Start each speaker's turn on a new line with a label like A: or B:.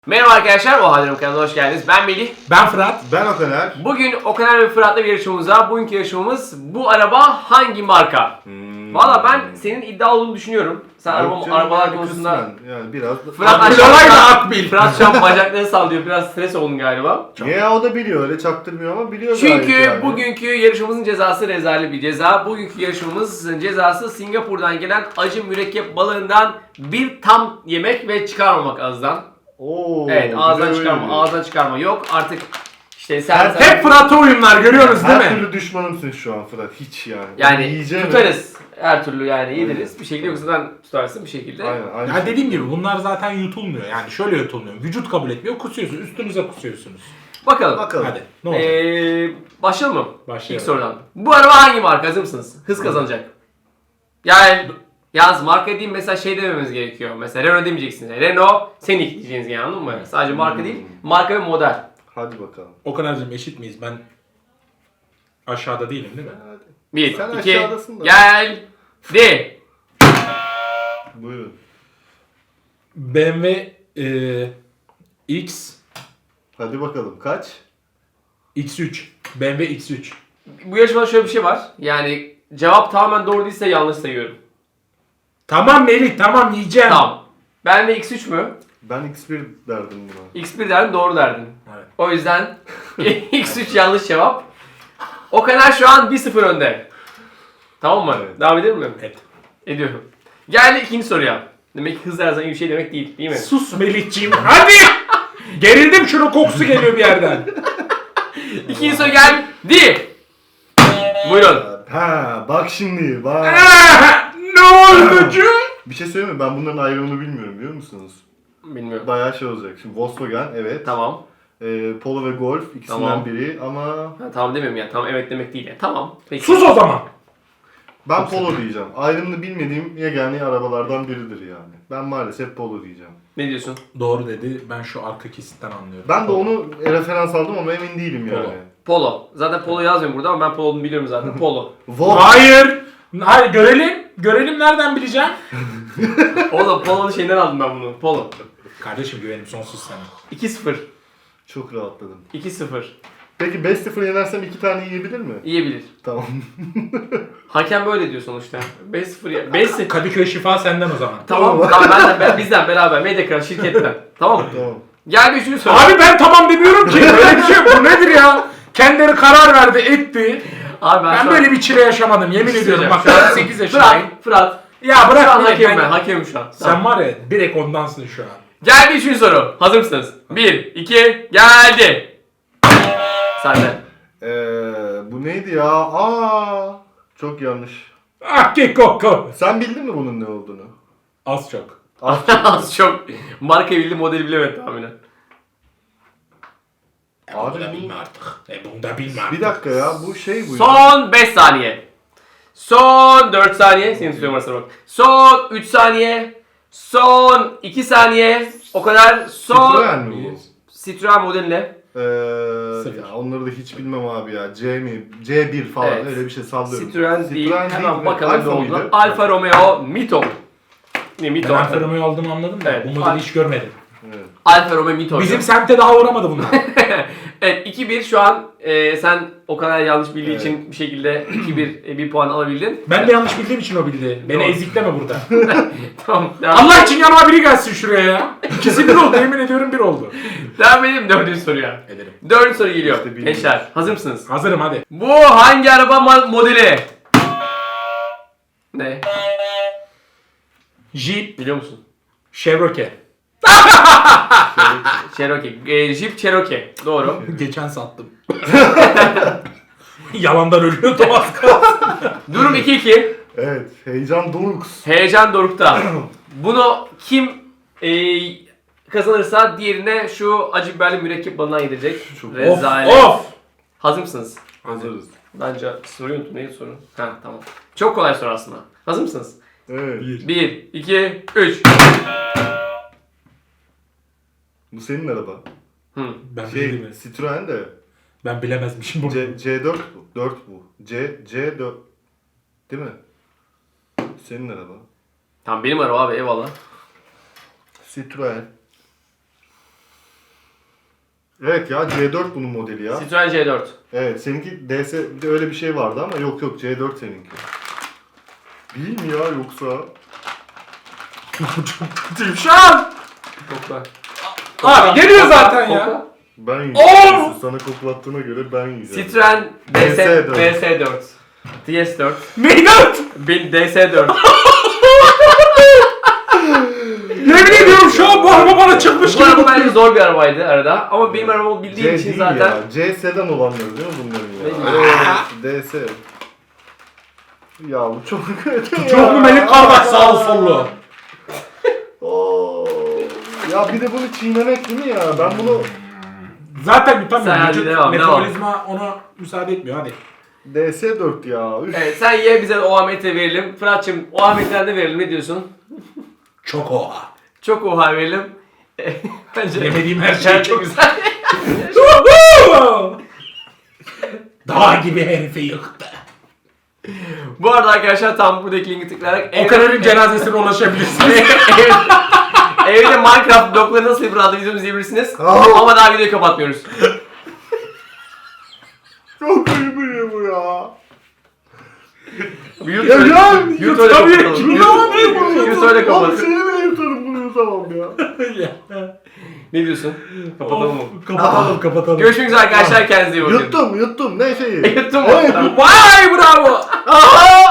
A: Merhaba arkadaşlar, o Hallerim kanalına hoş geldiniz. Ben Melih.
B: Ben Fırat.
C: Ben Okaner.
A: Bugün Okaner ve Fırat'la bir yarışmamız var. Bugünkü yarışmamız bu araba hangi marka? Valla ben senin iddia olduğunu düşünüyorum. Sen arabalar konusunda...
C: Yani biraz...
A: Fırat
B: Akbil Akbil.
A: Fırat şu an bacaklarını sallıyor. Biraz stres oldun galiba.
C: Ya o da biliyor, öyle çaktırmıyor ama biliyor gayet
A: Çünkü
C: yani.
A: bugünkü yarışmamızın cezası rezalet bir ceza. Bugünkü yarışmamızın cezası Singapur'dan gelen acı mürekkep balığından bir tam yemek ve çıkarmamak ağızdan.
C: Oo,
A: Evet, ağızdan
C: güzel
A: çıkarma,
C: öyle.
A: ağızdan çıkarma yok. Artık işte sen
B: Hep Fırat'a oyunlar görüyorsunuz değil
C: Her
B: mi?
C: türlü düşmanımsın şu an Fırat, hiç yani.
A: yani
C: Yiyeceğim
A: tutarız. Her türlü yani yediriz. Bir şekilde yoksa sen tutarsın bir şekilde.
C: Aynen.
B: Ya dediğim gibi bunlar zaten yutulmuyor. Yani şöyle yutulmuyor. Vücut kabul etmiyor. Kusuyorsunuz. Üstünüze kusuyorsunuz.
A: Bakalım.
B: Hadi. Ne olacak?
A: Başlayalım mı?
B: Başlayalım.
A: İlk sorudan. Bu araba hangi marka? Hazır mısınız? Hız kazanacak. Yani yalnız marka diyeyim mesela şey dememiz gerekiyor. Mesela Renault demeyeceksiniz. Renault Scenic diyeceksiniz yani, anladın mı? Sadece marka değil. Marka ve model.
C: Hadi bakalım.
B: O kadarcığım eşit miyiz? Ben aşağıda değilim değil mi?
C: Hadi.
A: 1,
C: Sen
A: 2,
C: aşağıdasın da.
A: geldi.
C: Buyurun.
B: BMW X
C: Hadi bakalım, kaç?
B: X3. BMW X3.
A: Bu yarışmada şöyle bir şey var. Yani cevap tamamen doğru değilse yanlış sayıyorum.
B: Tamam Melih, tamam yiyeceğim.
A: Tamam. Ben de X3 mü?
C: Ben X1 derdim buna.
A: X1 derdin, doğru derdin.
B: Evet.
A: O yüzden X3 yanlış cevap. O kadar şu an 1-0 önde. Tamam mı?
C: Evet.
A: Devam edelim mi?
B: Evet.
A: Ediyorum. Geldi ikinci soruya. Demek ki hız her zaman iyi bir şey demek değil mi?
B: Sus Melihciğim. Hadi! Gerildim, şunun kokusu geliyor bir yerden.
A: İkinci soru geldi. Buyurun.
C: Ha, bak şimdi, bak.
B: Ne oldu cu?
C: Bir şey söyleyeyim mi? Ben bunların ayrımını bilmiyorum, biliyor musunuz?
A: Bilmiyorum.
C: Bayağı şey olacak. Şimdi Volkswagen, evet.
A: Tamam.
C: Polo ve Golf, ikisinden
A: Tamam.
C: biri ama...
A: Ha, tamam demiyorum ya. Tamam evet demek değil ya. Tamam. Peki.
B: Sus o zaman.
C: Ben Polo diyeceğim. Ayrımını bilmediğim yegane arabalardan biridir yani. Ben maalesef Polo diyeceğim.
A: Ne diyorsun?
B: Doğru dedi. Ben şu arka kesitten anlıyorum.
C: Ben de onu referans aldım ama emin değilim
B: Polo.
C: yani.
A: Polo. Zaten Polo yazmıyorum burada ama ben Polo'nu biliyorum zaten. Polo.
B: Hayır. Hayır, görelim. Görelim, nereden bileceğim?
A: Oğlum Polo'nun şeyinden aldım ben bunu. Polo.
B: Kardeşim güvenim sonsuz sana.
A: 2-0.
C: Çok rahatladım.
A: 2-0.
C: Peki 5-0 yenersem 2 tane yiyebilir mi?
A: Yiyebilir.
C: Tamam.
A: Hakem böyle diyor sonuçta. 5-0 ya. 5-0.
B: Kadıköy şifa senden o zaman.
A: Tamam. Bizden beraber. Mediacraft şirketten. Tamam mı?
C: Tamam.
A: Gel bir üçüncü soru.
B: Abi ben tamam demiyorum ki. Böyle bir şey yok. Bu nedir ya? Kendileri karar verdi, etti.
A: Abi
B: Ben
A: şu an-
B: böyle bir çile yaşamadım. Yemin ediyorum. Bak
A: Şu an-
B: 8 yaşındayım.
A: Fırat.
B: Ya
A: Şu
B: bırak
A: an
B: bırak.
A: hakemim ben. Hakemim şu an.
B: Sen var ya direkt ondansın şu an.
A: Geldi üçüncü soru. Hazır mısınız? 1, 2, geldi. Sende.
C: Bu neydi ya? Çok yanlış.
B: Ah ki koku.
C: Sen bildin mi bunun ne olduğunu?
B: Az çok.
A: Az çok marka bildi, modeli bilemedi tahminen.
C: Abi
B: Bunu da
C: bu-
B: bilme artık. Bunu da bilme artık.
C: Bir dakika ya, bu şey bu ya.
A: Son 5 saniye. Son 4 saniye. Seni tutuyorum arasına bak. Son 3 saniye. Son 2 saniye. O kadar. Son...
C: Citroen mi bu?
A: Citroen modeline.
B: Sıfır.
C: Ya onları da hiç bilmem abi ya. C mi? C1 falan
A: Evet.
C: öyle bir şey sallıyorum.
A: Citroen değil. Hemen
C: mi?
A: bakalım ne
C: Alfa
A: oldu.
C: mıydı?
A: Alfa Romeo Mito. Ne Mito?
B: Ben Alfa Romeo aldığımı anladım da
A: Evet.
B: bu modeli hiç görmedim.
C: Evet.
A: Alfa Romeo Mito.
B: Bizim semte daha uğramadı bunlar.
A: Evet 2-1 şu an sen o kadar yanlış bildiği
C: Evet.
A: için bir şekilde 2-1 bir puan alabildin.
B: Ben de yanlış bildiğim için o bildi. Beni
A: Doğru.
B: ezikleme burada.
A: Tamam. Devam,
B: Allah için yanıma biri gelsin şuraya ya. İkisi bir oldu, yemin ediyorum bir oldu.
A: devam edelim dördüncü soruya.
B: Ederim.
A: Dördüncü soru geliyor.
C: İşte bilmiyorum.
A: Gençler hazır mısınız?
B: Hazırım hadi.
A: Bu hangi araba modeli? Ne?
B: Jeep,
A: Biliyor musun?
B: Chevrolet.
A: Cherokee. Jeep Cherokee. Doğru.
B: Geçen sattım. Yalandan ölüyordu az kalsın.
A: Durum 2-2.
C: Evet. Heyecan Dorux.
A: Heyecan dorukta. Bunu kim kazanırsa diğerine şu acı biberli mürekkep balından yedirecek.
C: Çok-
A: Rezalet.
B: Of!
A: Hazır mısınız?
C: Hazırız.
A: Bence soruyu unuttum. Neydi soru? Ha tamam. Çok kolay soru aslında. Hazır mısınız?
C: Evet.
A: 1, 2, 3.
C: Bu senin araba.
B: Ben
C: Şey,
B: bildim mi?
C: Citroen de
B: Ben bilemezmişim bunu.
C: C4 bu. 4 bu. C4. Değil mi? Senin araba.
A: Tamam benim araba abi eyvallah.
C: Citroen. Evet ya C4 bunun modeli ya.
A: Citroen C4.
C: Evet seninki DS bir de öyle bir şey vardı ama yok C4 seninki. Değil mi ya yoksa?
B: Çok kötüyüm şu an.
A: Kokla.
B: Abi geliyor zaten
A: Kokla.
B: ya.
C: Ben
B: Oo!
C: yiyeceğim. Sana koklattığına göre ben yiyeceğim.
A: Citroen
C: DS4.
A: DS4. DS4.
B: Meydan.
A: DS4.
B: Yemin ediyorum şu an bu araba bana çıkmış
A: Bu
B: gibi.
A: araba bence zor bir arabaydı arada. Ama benim arabamı bildiğim
C: C
A: için
C: değil
A: zaten.
C: ya. C sedan olanları değil mi bunların ya?
A: Ne
C: Evet, DS. Ya bu çok kötü ya.
B: Çok mu Melik kardeş sağlı sollu?
C: Oo. Ya bir de bunu çiğnemek değil mi ya? Ben bunu
B: Zaten yutamıyorum.
A: Sen hadi
B: Vücut
A: devam,
B: metabolizma ona müsaade etmiyor hadi.
C: DS4 ya. Üf.
A: Evet sen ye bize o Ahmet'e verelim. Fırat'cığım o Ahmet'ten de verelim. Ne diyorsun?
B: Çok oha.
A: Çok oha verelim. Bence
B: Yemediğim her şey
A: bence
B: çok
A: güzel.
B: Dağ gibi herifi yıktı.
A: Bu arada arkadaşlar tam buradaki linki tıklayarak
B: O kadının cenazesine ulaşabilirsiniz.
A: evde Minecraft blokları nasıl yapılır adlı videomuzu izleyebilirsiniz.
C: Aa!
A: Ama daha videoyu kapatmıyoruz.
C: Çok iyi bu ya.
A: Yut
C: Ya
A: öyle-
C: ya,
A: Yut öyle
B: tabii,
A: kapatalım.
B: yut-
A: Yut öyle
C: Abi
A: kapat.
C: seni bile yutarım bunu yutamam ya.
A: Ne diyorsun? Kapatalım mı?
B: Kapatalım.
A: Görüşmek üzere arkadaşlar, kendinize iyi bakın.
C: Yuttum ne şeyi?
A: Yuttum mu?
C: Evet,
A: Vay bravo.
C: Aha!